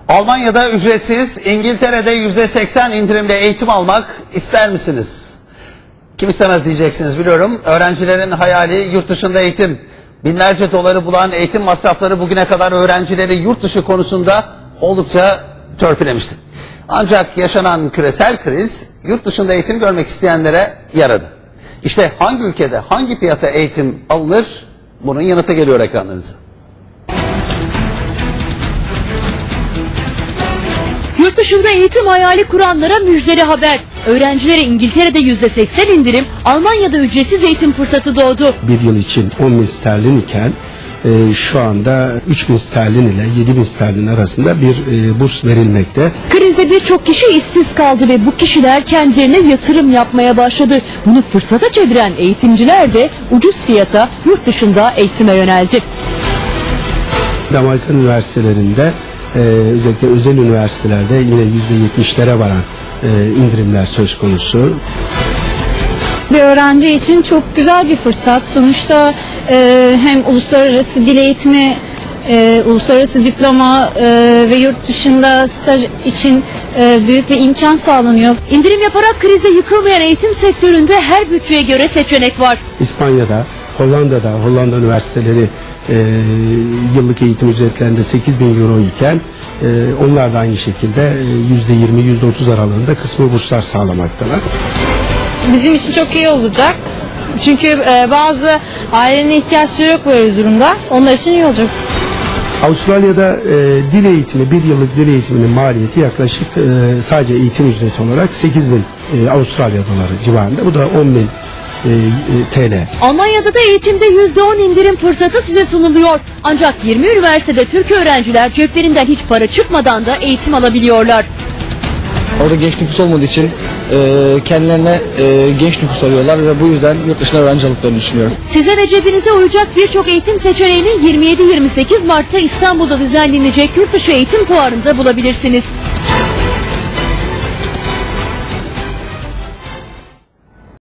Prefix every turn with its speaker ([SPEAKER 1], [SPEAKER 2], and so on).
[SPEAKER 1] Almanya'da ücretsiz, İngiltere'de %80 indirimle eğitim almak ister misiniz? Kim istemez diyeceksiniz biliyorum. Öğrencilerin hayali yurt dışında eğitim. Binlerce doları bulan eğitim masrafları bugüne kadar öğrencileri yurt dışı konusunda oldukça törpülemişti. Ancak yaşanan küresel kriz yurt dışında eğitim görmek isteyenlere yaradı. İşte hangi ülkede hangi fiyata eğitim alınır? Bunun yanıtı geliyor ekranlarınıza.
[SPEAKER 2] Yurt dışında eğitim hayali kuranlara müjdeli haber. Öğrencilere İngiltere'de %80 indirim, Almanya'da ücretsiz eğitim fırsatı doğdu.
[SPEAKER 3] Bir yıl için 10.000 sterlin iken şu anda 3.000 sterlin ile 7.000 sterlin arasında bir burs verilmekte.
[SPEAKER 2] Krizde birçok kişi işsiz kaldı ve bu kişiler kendilerine yatırım yapmaya başladı. Bunu fırsata çeviren eğitimciler de ucuz fiyata yurt dışında eğitime yöneldi.
[SPEAKER 3] Amerikan üniversitelerinde özellikle özel üniversitelerde yine %70'lere varan indirimler söz konusu.
[SPEAKER 4] Bir öğrenci için çok güzel bir fırsat. Sonuçta hem uluslararası dil eğitimi, uluslararası diploma ve yurt dışında staj için büyük bir imkan sağlanıyor.
[SPEAKER 2] İndirim yaparak krizde yıkılmayan eğitim sektöründe her bütçeye göre seçenek var.
[SPEAKER 3] İspanya'da, Hollanda'da, Hollanda üniversiteleri yıllık eğitim ücretlerinde 8.000 euro iken onlar da aynı şekilde %20-%30 aralığında kısmi burslar sağlamaktalar.
[SPEAKER 5] Bizim için çok iyi olacak. Çünkü bazı ailenin ihtiyaçları yok böyle durumda. Onlar için iyi olacak.
[SPEAKER 3] Avustralya'da dil eğitimi, bir yıllık dil eğitiminin maliyeti yaklaşık sadece eğitim ücreti olarak 8.000 Avustralya doları civarında. Bu da 10.000 TL.
[SPEAKER 2] Almanya'da da eğitimde %10 indirim fırsatı size sunuluyor. Ancak 20 üniversitede Türk öğrenciler ceplerinden hiç para çıkmadan da eğitim alabiliyorlar.
[SPEAKER 6] Orada genç nüfus olmadığı için kendilerine genç nüfus arıyorlar ve bu yüzden yurt dışına öğrenci aldıklarını düşünüyorum.
[SPEAKER 2] Size ve cebinize uyacak birçok eğitim seçeneğini 27-28 Mart'ta İstanbul'da düzenlenecek Yurtdışı Eğitim Fuarı'nda bulabilirsiniz.